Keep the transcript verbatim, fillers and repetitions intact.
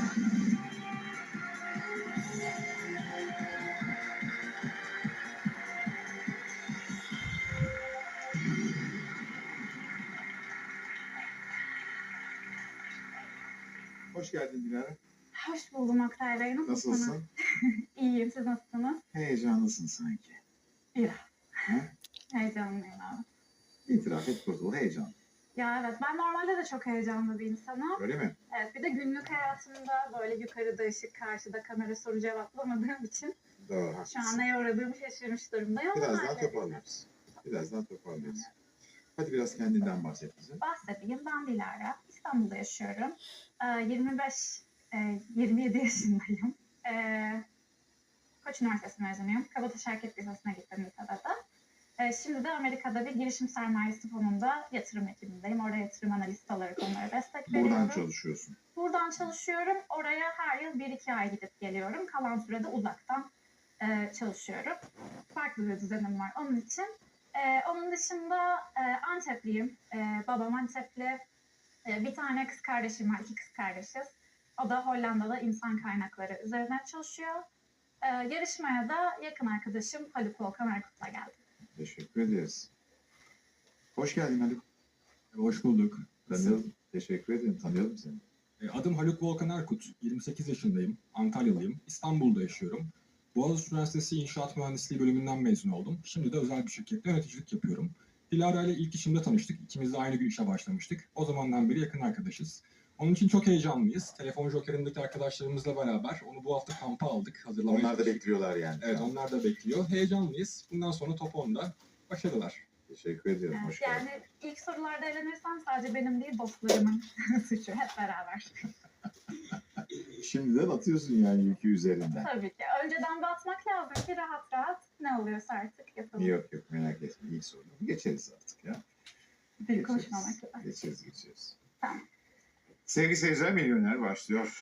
Hoş geldin Dilara. Hoş buldum Oktay Bey. Nasılsınız? Nasılsın? İyiyim. Siz nasılsınız? Heyecanlısın sanki. İyi. Ha? Heyecanlıyım abi. İtiraf et kurtul, heyecanlı. Ya evet, ben normalde de çok heyecanlı bir insanım. Öyle mi? Evet, bir de günlük hayatımda böyle yukarıda ışık, karşıda kamera soru cevaplamadığım için Doğru, şu haklısın. an neye uğradığımı şaşırmış durumdayım. ama Birazdan halledeceğim. toparlarız. Birazdan toparlarız. Hadi biraz kendinden bahset bize. Bahsedeyim. Ben Dilara. İstanbul'da yaşıyorum. Ee, yirmi beş, e, yirmi yedi yaşındayım. Ee, Koç Üniversitesi mezunuyum. Kabataş Hareket Lisesi'ne gittim lisede de. Ee, Şimdi de Amerika'da bir girişim sermayesi fonunda yatırım ekibindeyim. Orada yatırım analisti olarak onlara destek veriyorum. Buradan çalışıyorsun. Buradan çalışıyorum. Oraya her yıl bir iki ay gidip geliyorum. Kalan sürede uzaktan e, çalışıyorum. Farklı bir düzenim var onun için. E, onun dışında e, Antepliyim. E, babam Antepli. E, bir tane kız kardeşim var. İki kız kardeşiz. O da Hollanda'da insan kaynakları üzerine çalışıyor. E, yarışmaya da yakın arkadaşım Haluk Volkan Erkut'la geldim. Teşekkür ederiz. Hoş geldin Haluk. Hoş bulduk. Tanıyalım. Teşekkür ederim. Tanıyalım seni. E, Adım Haluk Volkan Erkut. yirmi sekiz yaşındayım. Antalyalıyım. İstanbul'da yaşıyorum. Boğaziçi Üniversitesi İnşaat Mühendisliği bölümünden mezun oldum. Şimdi de özel bir şirkette yöneticilik yapıyorum. Dilara ile ilk işimde tanıştık. İkimiz de aynı gün işe başlamıştık. O zamandan beri yakın arkadaşız. Onun için çok heyecanlıyız. Telefon Joker'indeki arkadaşlarımızla beraber onu bu hafta kampa aldık. Hazırlamaya Onlar da çalıştık. bekliyorlar yani. Evet, onlar da bekliyor. Heyecanlıyız. Bundan sonra top onda. Başarılar. Teşekkür ediyorum. Evet, Hoş geldin. yani ilk sorularda eğlenirsem sadece benim değil dostlarımın suçu. Hep beraber. Şimdiden atıyorsun yani yükü üzerinden. Tabii ki. Önceden batmak lazım ki rahat rahat ne oluyorsa artık yapalım. Yok yok, merak etme. İlk soru. Geçeriz artık ya. Dil konuşmamak lazım. Geçeriz geçeriz. Tamam. Sevgili seyirciler, Milyoner başlıyor.